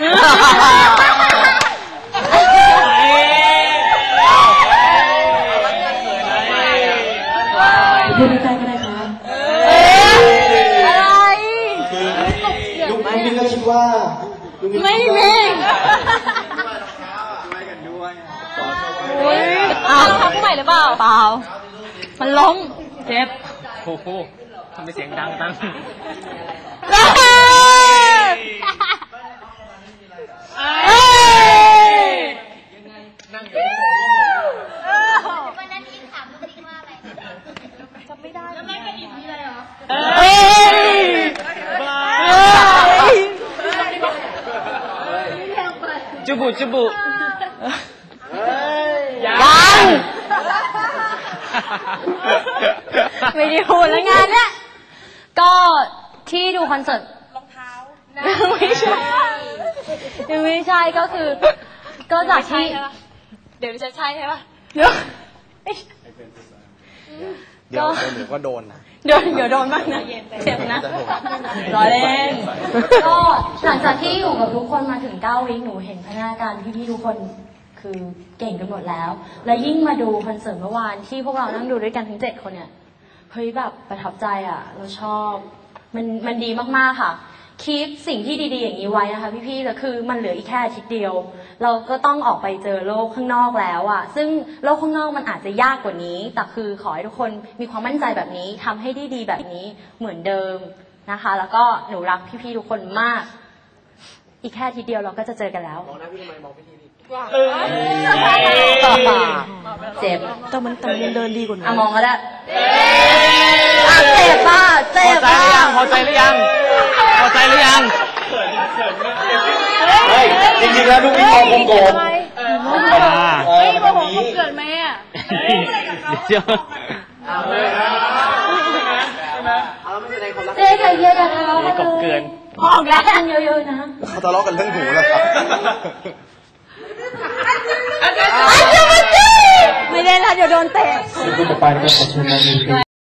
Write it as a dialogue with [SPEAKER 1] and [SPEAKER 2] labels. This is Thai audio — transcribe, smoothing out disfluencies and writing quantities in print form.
[SPEAKER 1] พูดในใจก็ได้ครับ
[SPEAKER 2] อะไร
[SPEAKER 1] ลุงมิ้นก็คิดว่า
[SPEAKER 2] ไม่มีอ้าวทำใหม่หรือเปล่าเปล่ามันล้มเจ็บ
[SPEAKER 3] โอ้โหทำไมเสียงดังจังนั่งอยู่
[SPEAKER 2] วันนั้นอิงถามลูกอิงว่าอะไรจำไม่ได้แล้วแม่ก็อิงมีอะไรเหรอ
[SPEAKER 3] จุบุจุบุ
[SPEAKER 2] ยังไม่ได้พูดแล้วงานเนี้ยก็ที่ดูคอนเสิร์ตรองเท้าไม่ใช่ยังไม่ใช่ก็คือก็จากที่เดี๋ยวจะใช่ใช่ปะเดี๋ยว
[SPEAKER 1] ก็โดนนะ
[SPEAKER 2] เดี๋ยวโดนบ้างนะเจ็บนะรอเล่นก็หลังจากที่อยู่กับทุกคนมาถึง9 วีคหนูเห็นพัฒนาการพี่ๆทุกคนคือเก่งกันหมดแล้วและยิ่งมาดูคอนเสิร์ตเมื่อวานที่พวกเรานั่งดูด้วยกันทั้ง7 คนเนี่ยเฮ้ยแบบประทับใจอ่ะเราชอบมันดีมากๆค่ะคีปสิ่งที่ดีๆอย่างนี้ไว้นะคะพี่ๆแต่คือมันเหลืออีกแค่อาทิตย์เดียวเราก็ต้องออกไปเจอโลกข้างนอกแล้วอ่ะซึ่งโลกข้างนอกมันอาจจะยากกว่านี้แต่คือขอให้ทุกคนมีความมั่นใจแบบนี้ทำให้ได้ดีแบบนี้เหมือนเดิมนะคะแล้วก็หนูรักพี่ๆทุกคนมากอีกแค่อาทิตย์เดียวเราก็จะเจอกันแล้วมองหน้าพี่ทำไมมองพี่ทีเจ็บ
[SPEAKER 1] แต่มันเดินดีกว่าหนู
[SPEAKER 2] มองก็ได้เจ็บป่ะเจ็บป่ะ
[SPEAKER 3] พอใจหรือยังพอใจหรือยัง
[SPEAKER 1] จริงๆแล้วลูกพี่มองโกง
[SPEAKER 2] โมโหเกิดไหมอ่ะ
[SPEAKER 3] เดี๋ยว
[SPEAKER 2] เจ๊ใจเย็นๆนะ
[SPEAKER 3] กบเกิน
[SPEAKER 2] ออกแล้วกันเยอะๆนะ
[SPEAKER 1] เขาทะเลาะกันเรื่องหูแล้วครับ
[SPEAKER 2] ไม่ได้แล้วเดี๋ยวโดนเตะ